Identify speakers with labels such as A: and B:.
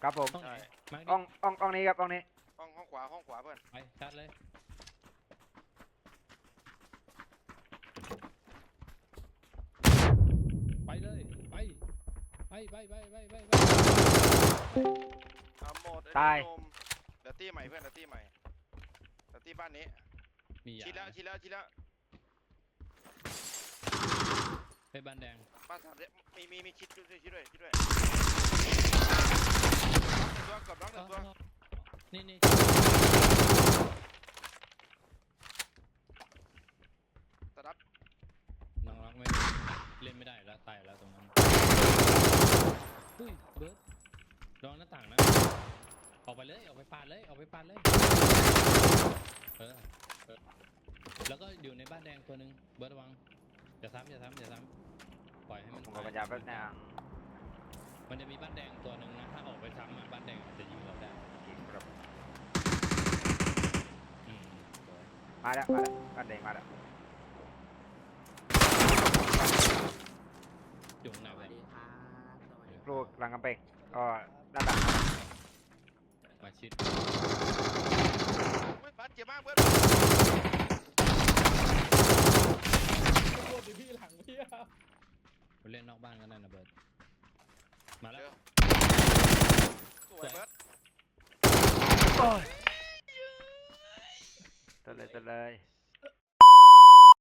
A: ครับผม
B: ห้องไหนมาร์ค
A: อ่องนี้ครับอ่องนี้
C: ห้องขวาเพื่อน
B: ไปชัดเลยไปเลยไป
C: หมดเดี๋ยวตีใหม่เพื่อนเดี๋ยวตีใหม่เดี๋ยวตีบ้านนี้
B: มียา
C: ชิดแล้ว
B: ไปบ้านแดง
C: บ้านสามมีชิดด้วยตัวกับน้องหนึ่งตัว
B: นี่
C: ตะดับ
B: น้องรักไม่เล่นไม่ได้แล้วตายแล้วตรงนั้นอุ้ยเบิร์ดลองหน้าต่างนะออกไปเลยออกไปปาดเลยแล้วก็อยู่ในบ้านแดงตัวหนึ่งเบิร์ดระวังอย่าซ้ำปล่อยให้มัน
A: ผมก็พยายามแล้วนะ
B: มันจะมีบ้านแดงตัวหนึ่งนะถ้าออกไปซ้ำบ้านแดงจะยิงเราได้
A: ครับ
B: อืม
A: มาแล้วบ้านแดงมาแล้ว
B: อยู่ไหน
D: ส
B: ไป
D: วัสดีครับสวัสดี
A: ลูกหลังกำแพงก็หน้าต่าง
B: มาชิด
C: บ้านเจ็บมากเพื่อน
B: โคตรพี่หลังพี่ไปเล่นนอกบ้านกันได้นะเบิร์ดมาแล้ว
C: สวยเบิร์ด
A: ตัวเลย